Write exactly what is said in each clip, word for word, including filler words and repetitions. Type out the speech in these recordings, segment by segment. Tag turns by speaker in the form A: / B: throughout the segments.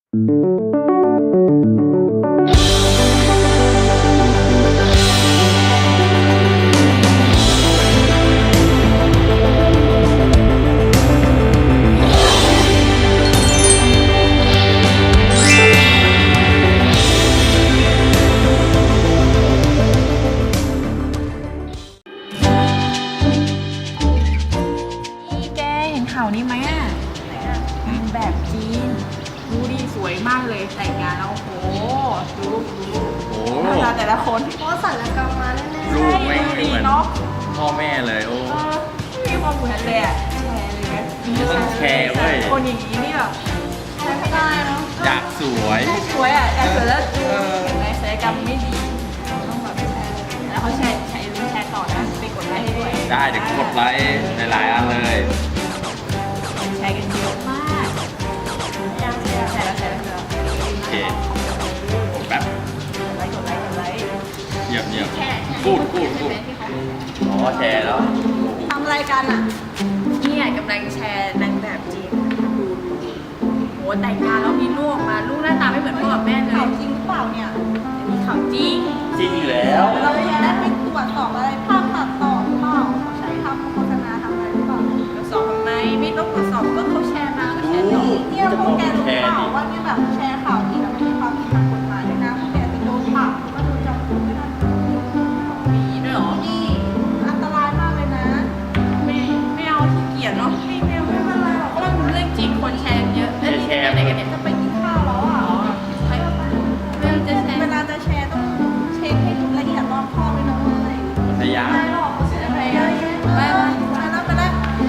A: ข่าวนี้ไหมอ่ะแบบจีนดูดีสวยมากเลยแต่งงานแล้วโอ้โหดูดูหน้าตาแต่ละคน
B: เพราะศัลยกรรมมาแน่ๆ
C: ลูกไม่
A: ดู
C: เห
A: ดี
C: มือน
A: เนาะ
C: พ่อแม่เลยโอ้
A: เออไม่มีความเหมือนเลยอ่ะแชร์เลยไหม
C: ต้องแชร์เว้ย
A: คนอย่างนี้นี่แบบใช้ไม่ได้เนาะ
C: อยากสวย
A: สวยอ่ะอยากสวยแล้วดูเห็นไหมศัลยกรรมไม่ดีต้องแบบแชร์แล้วเขาแชร์แชร์รู้แชร์ต่อนะไปกดไลค์ให้ด้วย
C: ได้เดี๋ยวกดไลค์หลายๆอันเลย
A: แชร์กันเยอะมากยังแชร์แชร์แล้วแชร์แล้ว
C: โอเคผมแป๊บ
A: กดไลค์กดไลค์กดไลค์
C: เยี่ยมเยี่ยม
A: แค่
C: พูดพูดพูดอ๋อแชร์แล้ว
B: ทำอะไรกันอ่ะ
A: เนี่ยกำลังแชร์นางแบบจีนดูดูโหแต่งงานแล้วมีลูกมาลูกหน้าตาไม่เหมือนพ่อกับแม่เลย
B: ข่าวจริงหรือเปล่าเนี่ย
A: มีข่าวจริง
C: จริงอยู่แล้ว
B: เราจะได้ไปตรวจสอบอะไรภาพตัดต่อหรือเปล่าเขาใช้ทำโฆษณาทำอะไรหรือเปล่า
A: ตรวจสอบทำไมไม่ต้องตรวจสอบก็เขาแชร์มาก็แชร์ต่อ
B: เนี่ยพวกแกรู้เปล่าว่าเนี่ยแบบแชร์ข่าวที่มันมีความผิดทางกฎหมายด้วยนะพวกแกจะโดนปรับก็โดนจำคุกด้วยนะ
A: มีด้วยเหรอ
B: นี่อันตรายมากเลยนะ
A: ไม่ไม่เอาขี้เกียจเนาะไม่ไม่เอาไม่เป็นไรหรอกก็มันเป็นเรื่องจริงคนแชร์เยอะแล้วนี่จะไปไหนกันเนี่ย
B: จะไปกินข้าวแล้วอ่ะ
A: อ๋อไปเรื่องจะแชร์
B: เวลาจะแชร์ต้องเช็คให้ละเอียดรอบคอบเลยนะ
C: พยายาม
B: ไม่หรอกเสียไปเยอะแยะไปไปแล้วไปแล้ว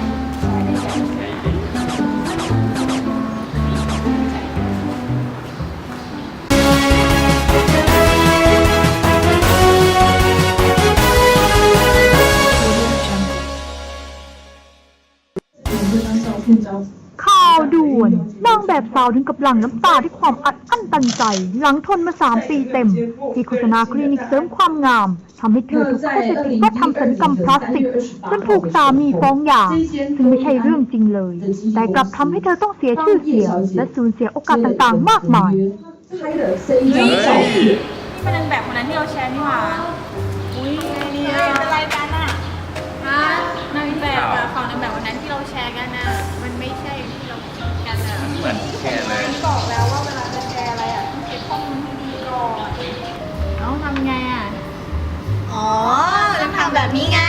D: ข่าวด่วนนางแบบสาวถึงกับหลั่งน้ำตาด้วยความอัดอั้นตันใจ หลังทนมาสามปีเต็ม ที่โฆษณาคลินิกเสริมความงามทำให้เธอถูกเข้าใจผิดว่าทำศัลยกรรมพลาสติกจนถูกสามีฟ้องหย่าซึ่งไม่ใช่เรื่องจริงเลย แต่กลับทำให้เธอต้องเสียชื่อเสียงและสูญเสียโอกาสต่างๆ มากมาย
A: เฮ้ยนี่เป็นนางแบบคนนั้นที่เราแชร์นี่หว่าอุ้ยไงเนี่ย
B: เป็นไรกันอ่ะ
A: ฮะนางแบบอะของนางแบบวันนั้นที่เราแชร์กันน่ะมันไม่ใช่ที่เราคิดกันน่ะ
C: เหมือนแชร์เลย
B: บอกแล้วว่าเวลาจะแชร์อะไรอ่ะต้องเก็บข้อมูลให้ดีก่อน
A: เอ้าทำไงอ่ะ
B: อ๋อจะทำแบบนี้ไง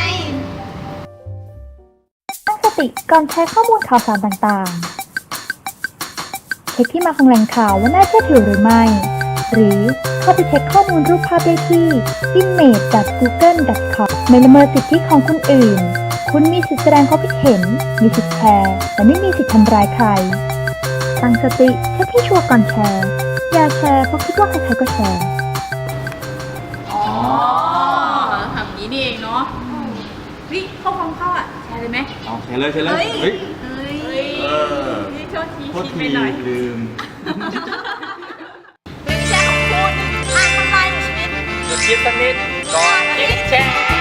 D: ตั้งสติก่อนใช้ข้อมูลข่าวสารต่างๆ เช็คที่มาของแหล่งข่าวว่าน่าเชื่อถือหรือไม่ หรือเข้าไปเช็คข้อมูลรูปภาพได้ที่ image ดอท กูเกิล ดอท คอม ไม่ละเมิดสิทธิของคนอื่น คุณมีสิทธิแสดงความคิดเห็น มีสิทธิแชร์ แต่ไม่มีสิทธิทำร้ายใคร ตั้งสติเช็คให้ชัวร์ก่อนแชร์ อย่าแชร์เพราะคิดว่าใครๆก็แชร์
A: อ๋อทำอย่างนี้นี่เองเนาะเฮ้ยเข้าความเข้าอ่ะแชร์เลยไหม
C: เอาแชร์เลยแชร์เลย เฮ้ย
A: เฮ้ย
C: เออ
A: นี่โทษที
C: โทษ
A: คิด
C: ที
A: ไปหน่อย
C: ลืม
B: ไม่ใช่ของคุณอ่านทำลายหนูชีวิต
C: หยุดคิดสักนิดก่อนคลิกแชร์